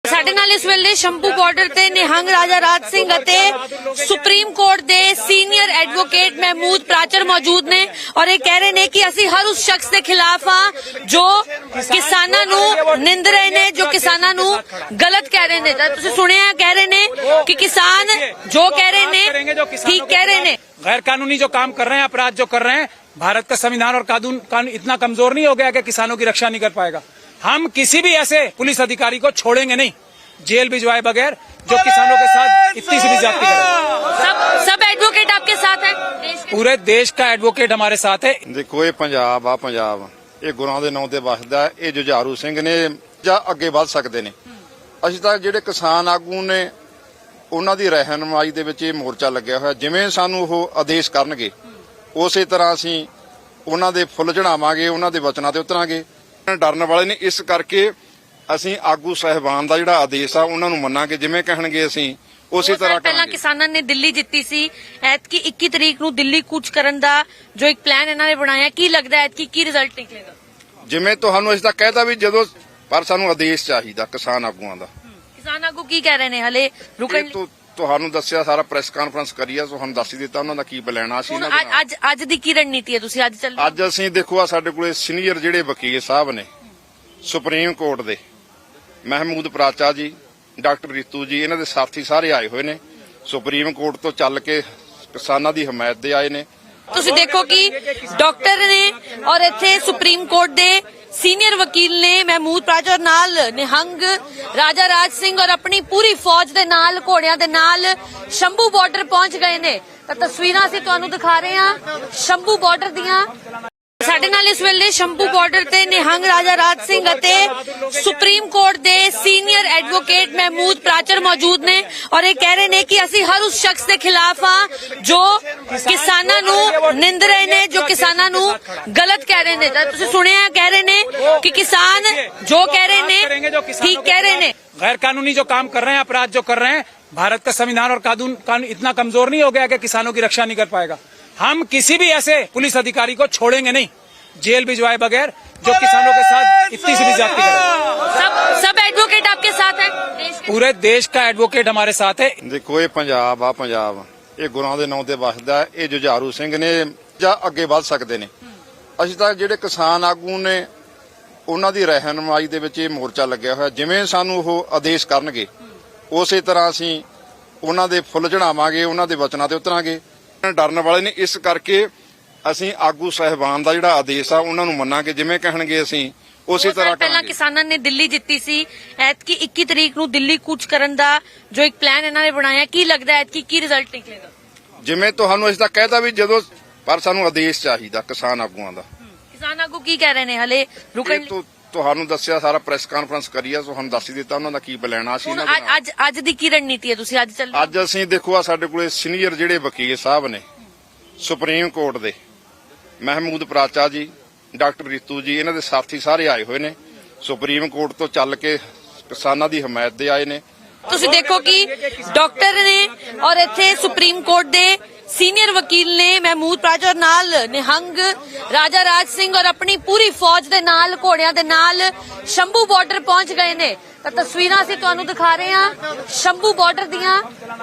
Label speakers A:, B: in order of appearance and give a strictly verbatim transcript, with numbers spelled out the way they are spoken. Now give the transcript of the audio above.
A: ਸਾਡੇ ਨਾਲ ਇਸ ਵੇਲੇ ਸ਼ੰਭੂ ਬਾਰਡਰ ਤੇ ਨਿਹੰਗ ਰਾਜਾ ਰਾਜ ਸਿੰਘ ਅਤੇ ਸੁਪਰੀਮ ਕੋਰਟ ਦੇ ਸੀਨੀਅਰ ਐਡਵੋਕੇਟ ਮਹਿਮੂਦ ਪ੍ਰਾਚਰ ਮੌਜੂਦ ਨੇ ਔਰ ਇਹ ਕਹਿ ਰਹੇ ਨੇ ਕਿ ਅਸੀਂ ਹਰ ਉਸ ਸ਼ਖਸ ਦੇ ਖਿਲਾਫ ਆ ਜੋ ਕਿਸਾਨਾਂ ਨੂੰ ਨਿੰਦ ਰਹੇ ਨੇ, ਜੋ ਕਿਸਾਨਾਂ ਨੂੰ ਗਲਤ ਕਹਿ ਰਹੇ ਨੇ। ਤਾਂ ਤੁਸੀਂ ਸੁਣਿਆ ਕਹਿ ਰਹੇ ਨੇ ਕਿ ਕਿਸਾਨ ਜੋ ਕਹਿ ਰਹੇ ਨੇ ਠੀਕ ਕਹਿ ਰਹੇ ਨੇ।
B: गैर कानूनी जो काम कर रहे हैं, अपराध जो कर रहे हैं, भारत का संविधान और कानून कानून इतना कमजोर नहीं हो गया कि किसानों की रक्षा नहीं कर पाएगा। हम किसी भी ऐसे पुलिस अधिकारी को छोड़ेंगे नहीं, जेल भिजवाए बगैर, जो किसानों के साथ इतनी सी भी ज्यादती करे।
A: सब सब एडवोकेट आपके साथ है, देश के
B: पूरे देश का एडवोकेट हमारे साथ है।
C: देखो ये पंजाब आ पंजाब ਇਹ ਗੁਰਾਂ ਦੇ ਨਾਂ ਤੇ ਵਸਦਾ। ਇਹ ਜੁਝਾਰੂ ਸਿੰਘ ਨੇ ਜਾਂ ਅੱਗੇ ਵੱਧ ਸਕਦੇ ਨੇ। ਅਸੀਂ ਤਾਂ ਜਿਹੜੇ ਕਿਸਾਨ ਆਗੂ ਨੇ ਉਹਨਾਂ ਦੀ ਰਹਿਨਮਾਈ ਦੇ ਵਿੱਚ ਇਹ ਮੋਰਚਾ ਲੱਗਿਆ ਹੋਇਆ। ਜਿਵੇਂ ਸਾਨੂੰ ਉਹ ਆਦੇਸ਼ ਕਰਨਗੇ ਉਸੇ ਤਰ੍ਹਾਂ ਅਸੀਂ ਉਹਨਾਂ ਦੇ ਫੁੱਲ ਚੜਾਵਾਂਗੇ, ਉਹਨਾਂ ਦੇ ਵਚਨਾਂ ਤੇ ਉਤਰਾਂਗੇ। ਡਰਨ ਵਾਲੇ ਨੇ, ਇਸ ਕਰਕੇ ਅਸੀਂ ਆਗੂ ਸਹਿਬਾਨ ਦਾ ਜਿਹੜਾ ਆਦੇਸ਼ ਆ ਉਹਨਾਂ ਨੂੰ ਮੰਨਾਂਗੇ। ਜਿਵੇਂ ਕਹਿਣਗੇ ਅਸੀਂ ਉਸੇ ਤਰ੍ਹਾਂ
A: ਪਹਿਲਾਂ
C: ਕਰਾਂਗੇ।
A: ਕਿਸਾਨਾਂ ਨੇ ਦਿੱਲੀ ਜਿੱਤੀ ਸੀ, ਐਤਕੀ ਇੱਕੀ ਤਰੀਕ ਨੂੰ ਦਿੱਲੀ ਕੂਚ ਕਰਨ ਦਾ ਜੋ ਇੱਕ ਪਲਾਨ ਇਹਨਾਂ ਨੇ ਬਣਾਇਆ, ਕੀ ਲੱਗਦਾ ਐਤਕੀ ਕੀ ਰਿਜ਼ਲਟ ਨਿਕਲੇਗਾ?
C: ਜਿਵੇਂ ਤੁਹਾਨੂੰ ਅਸੀਂ ਤਾਂ ਕਹਿਤਾ ਵੀ ਜਦੋਂ, ਪਰ ਸਾਨੂੰ ਆਦੇਸ਼ ਚਾਹੀਦਾ ਕਿਸਾਨ ਆਗੂਆਂ ਦਾ।
A: ਕਿਸਾਨ ਆਗੂ ਕੀ ਕਹਿ ਰਹੇ ਨੇ ਹਲੇ ਰੁਕਣ
C: ਇਹ ਤੋਂ ਤੁਹਾਨੂੰ ਦੱਸਿਆ, ਸਾਰਾ ਪ੍ਰੈਸ ਕਾਨਫਰੰਸ ਕਰੀ ਆ, ਤੁਹਾਨੂੰ ਦੱਸ ਹੀ ਦਿੱਤਾ ਉਹਨਾਂ ਦਾ ਕੀ ਬਲੈਣਾ ਸੀ। ਇਹਨਾਂ
A: ਅੱਜ ਅੱਜ ਅੱਜ ਦੀ ਕੀ ਰਣਨੀਤੀ ਹੈ? ਤੁਸੀਂ ਅੱਜ ਚੱਲ
C: ਅੱਜ ਅਸੀਂ ਦੇਖੋ ਆ ਸਾਡੇ ਕੋਲੇ ਸੀਨੀਅਰ ਜਿਹੜੇ ਵਕੀਲ ਸਾਹਿਬ ਨੇ ਸੁਪਰੀਮ ਕੋਰਟ ਦੇ, ਮਹਿਮੂਦ ਪ੍ਰਾਚਾ ਜੀ, ਡਾਕਟਰ ਰੀਤੂ ਜੀ, ਇਹਨਾਂ ਦੇ ਸਾਥੀ ਸਾਰੇ ਆਏ ਹੋਏ ਨੇ। ਸੁਪਰੀਮ ਕੋਰਟ ਤੋਂ ਚੱਲ ਕੇ ਕਿਸਾਨਾਂ ਦੀ ਹਮਾਇਤ ਦੇ ਆਏ ਨੇ।
A: ਤੁਸੀਂ ਦੇਖੋ ਕਿ ਡਾਕਟਰ ਨੇ ਔਰ ਇੱਥੇ ਸੁਪਰੀਮ ਕੋਰਟ ਦੇ ਸੀਨੀਅਰ ਵਕੀਲ ਨੇ ਮਹਿਮੂਦ ਪ੍ਰਾਚਰ ਨਾਲ ਨਿਹੰਗ ਰਾਜਾ ਰਾਜ ਸਿੰਘ ਔਰ ਆਪਣੀ ਪੂਰੀ ਫੌਜ ਦੇ ਨਾਲ, ਘੋੜਿਆਂ ਦੇ ਨਾਲ ਸ਼ੰਭੂ ਬਾਰਡਰ ਪਹੁੰਚ ਗਏ ਨੇ। ਤਾਂ ਤਸਵੀਰਾਂ ਅਸੀਂ ਤੁਹਾਨੂੰ ਦਿਖਾ ਰਹੇ ਹਾਂ ਸ਼ੰਭੂ ਬਾਰਡਰ ਦੀਆਂ। ਸਾਡੇ ਨਾਲ ਇਸ ਵੇਲੇ ਸ਼ੰਭੂ ਬਾਰਡਰ ਤੇ ਨਿਹੰਗ ਰਾਜਾ ਰਾਜ ਸਿੰਘ ਅਤੇ ਸੁਪਰੀਮ ਕੋਰਟ ਦੇ ਸੀਨੀਅਰ ਐਡਵੋਕੇਟ ਮਹਿਮੂਦ ਪ੍ਰਾਚਰ ਮੌਜੂਦ ਨੇ ਔਰ ਇਹ ਕਹਿ ਰਹੇ ਨੇ ਕਿ ਅਸੀਂ ਹਰ ਉਸ ਸ਼ਖਸ ਦੇ ਖਿਲਾਫ ਆ ਜੋ ਕਿਸਾਨਾਂ ਨੂੰ ਨਿੰਦ ਰਹੇ ਨੇ, ਜੋ ਕਿਸਾਨਾਂ ਨੂੰ ਗਲਤ ਕਹਿ ਰਹੇ ਨੇ। ਤਾਂ ਤੁਸੀਂ ਸੁਣਿਆ ਕਹਿ ਰਹੇ ਨੇ ਕਿ ਕਿਸਾਨ ਜੋ ਕਹਿ ਰਹੇ ਨੇ ਠੀਕ ਕਹਿ ਰਹੇ ਨੇ।
B: गैर कानूनी जो काम कर रहे हैं, अपराध जो कर रहे हैं, भारत का संविधान और कानून कानून इतना कमजोर नहीं हो गया कि किसानों की रक्षा नहीं कर पाएगा। हम किसी भी ऐसे पुलिस अधिकारी को छोड़ेंगे नहीं, जेल भिजवाए बगैर, जो किसानों के साथ इतनी सी भी ज्यादती करे।
A: सब सब एडवोकेट आपके साथ है, देश के
B: पूरे देश का एडवोकेट हमारे साथ है।
C: ਦੇਖੋ ਇਹ ਪੰਜਾਬ ਆ ਪੰਜਾਬ ਇਹ ਗੁਰਾਂ ਦੇ ਨਾਂ ਤੇ ਵਸਦਾ। ਇਹ ਜੁਝਾਰੂ ਸਿੰਘ ਨੇ ਜਾਂ ਅੱਗੇ ਵੱਧ ਸਕਦੇ ਨੇ। ਅਸੀਂ ਤਾਂ ਜਿਹੜੇ ਕਿਸਾਨ ਆਗੂ ਨੇ ਉਹਨਾਂ ਦੀ ਰਹਿਨਮਾਈ ਦੇ ਵਿੱਚ ਇਹ ਮੋਰਚਾ ਲੱਗਿਆ ਹੋਇਆ। ਜਿਵੇਂ ਸਾਨੂੰ ਉਹ ਆਦੇਸ਼ ਕਰਨਗੇ ਉਸੇ ਤਰ੍ਹਾਂ ਅਸੀਂ ਉਹਨਾਂ ਦੇ ਫੁੱਲ ਚੜਾਵਾਂਗੇ, ਉਹਨਾਂ ਦੇ ਵਚਨਾਂ ਤੇ ਉਤਰਾਂਗੇ। ਡਰਨ ਵਾਲੇ ਨੇ, ਇਸ ਕਰਕੇ ਅਸੀਂ ਆਗੂ ਸਹਿਬਾਨ ਦਾ ਜਿਹੜਾ ਆਦੇਸ਼ ਆ ਉਹਨਾਂ ਨੂੰ ਮੰਨਾਂਗੇ। ਜਿਵੇਂ ਕਹਿਣਗੇ ਅਸੀਂ ਉਸੇ ਤਰ੍ਹਾਂ
A: ਪਹਿਲਾਂ
C: ਕਰਾਂਗੇ।
A: ਕਿਸਾਨਾਂ ਨੇ ਦਿੱਲੀ ਜਿੱਤੀ ਸੀ, ਐਤਕੀ ਇੱਕੀ ਤਰੀਕ ਨੂੰ ਦਿੱਲੀ ਕੂਚ ਕਰਨ ਦਾ ਜੋ ਇੱਕ ਪਲਾਨ ਇਹਨਾਂ ਨੇ ਬਣਾਇਆ, ਕੀ ਲੱਗਦਾ ਐਤਕੀ ਕੀ ਰਿਜ਼ਲਟ ਨਿਕਲੇਗਾ?
C: ਜਿਵੇਂ ਤੁਹਾਨੂੰ ਅਸੀਂ ਤਾਂ ਕਹਿਤਾ ਵੀ ਜਦੋਂ, ਪਰ ਸਾਨੂੰ ਆਦੇਸ਼ ਚਾਹੀਦਾ ਕਿਸਾਨ ਆਗੂਆਂ ਦਾ।
A: ਕਿਸਾਨ ਆਗੂ ਕੀ ਕਹਿ ਰਹੇ ਨੇ ਹਲੇ ਰੁਕਣ
C: ਇਹ ਤੋਂ ਤੁਹਾਨੂੰ ਦੱਸਿਆ, ਸਾਰਾ ਪ੍ਰੈਸ ਕਾਨਫਰੰਸ ਕਰੀ ਆ, ਤੁਹਾਨੂੰ ਦੱਸ ਹੀ ਦਿੱਤਾ ਉਹਨਾਂ ਦਾ ਕੀ ਬਲੈਣਾ ਸੀ। ਇਹਨਾਂ
A: ਅੱਜ ਅੱਜ ਅੱਜ ਦੀ ਕੀ ਰਣਨੀਤੀ ਹੈ? ਤੁਸੀਂ ਅੱਜ ਚੱਲ
C: ਅੱਜ ਅਸੀਂ ਦੇਖੋ ਆ ਸਾਡੇ ਕੋਲੇ ਸੀਨੀਅਰ ਜਿਹੜੇ ਵਕੀਲ ਸਾਹਿਬ ਨੇ ਸੁਪਰੀਮ ਕੋਰਟ ਦੇ, ਮਹਿਮੂਦ ਪ੍ਰਾਚਾ ਜੀ, ਡਾਕਟਰ ਰੀਤੂ ਜੀ, ਇਹਨਾਂ ਦੇ ਸਾਥੀ ਸਾਰੇ ਆਏ ਹੋਏ ਨੇ। ਸੁਪਰੀਮ ਕੋਰਟ ਤੋਂ ਚੱਲ ਕੇ ਕਿਸਾਨਾਂ ਦੀ ਹਮਾਇਤ ਦੇ ਆਏ ਨੇ।
A: ਤੁਸੀਂ ਦੇਖੋ ਕਿ ਡਾਕਟਰ ਨੇ ਔਰ ਇੱਥੇ ਸੁਪਰੀਮ ਕੋਰਟ ਦੇ ਸੀਨੀਅਰ ਵਕੀਲ ਨੇ ਮਹਿਮੂਦ ਪ੍ਰਾਚਰ ਨਾਲ ਨਿਹੰਗ ਰਾਜਾ ਰਾਜ ਸਿੰਘ ਔਰ ਆਪਣੀ ਪੂਰੀ ਫੌਜ ਦੇ ਨਾਲ, ਘੋੜਿਆਂ ਦੇ ਨਾਲ ਸ਼ੰਭੂ ਬਾਰਡਰ ਪਹੁੰਚ ਗਏ ਨੇ। ਤਾਂ ਤਸਵੀਰਾਂ ਅਸੀਂ ਤੁਹਾਨੂੰ ਦਿਖਾ ਰਹੇ ਹਾਂ ਸ਼ੰਭੂ ਬਾਰਡਰ ਦੀਆਂ।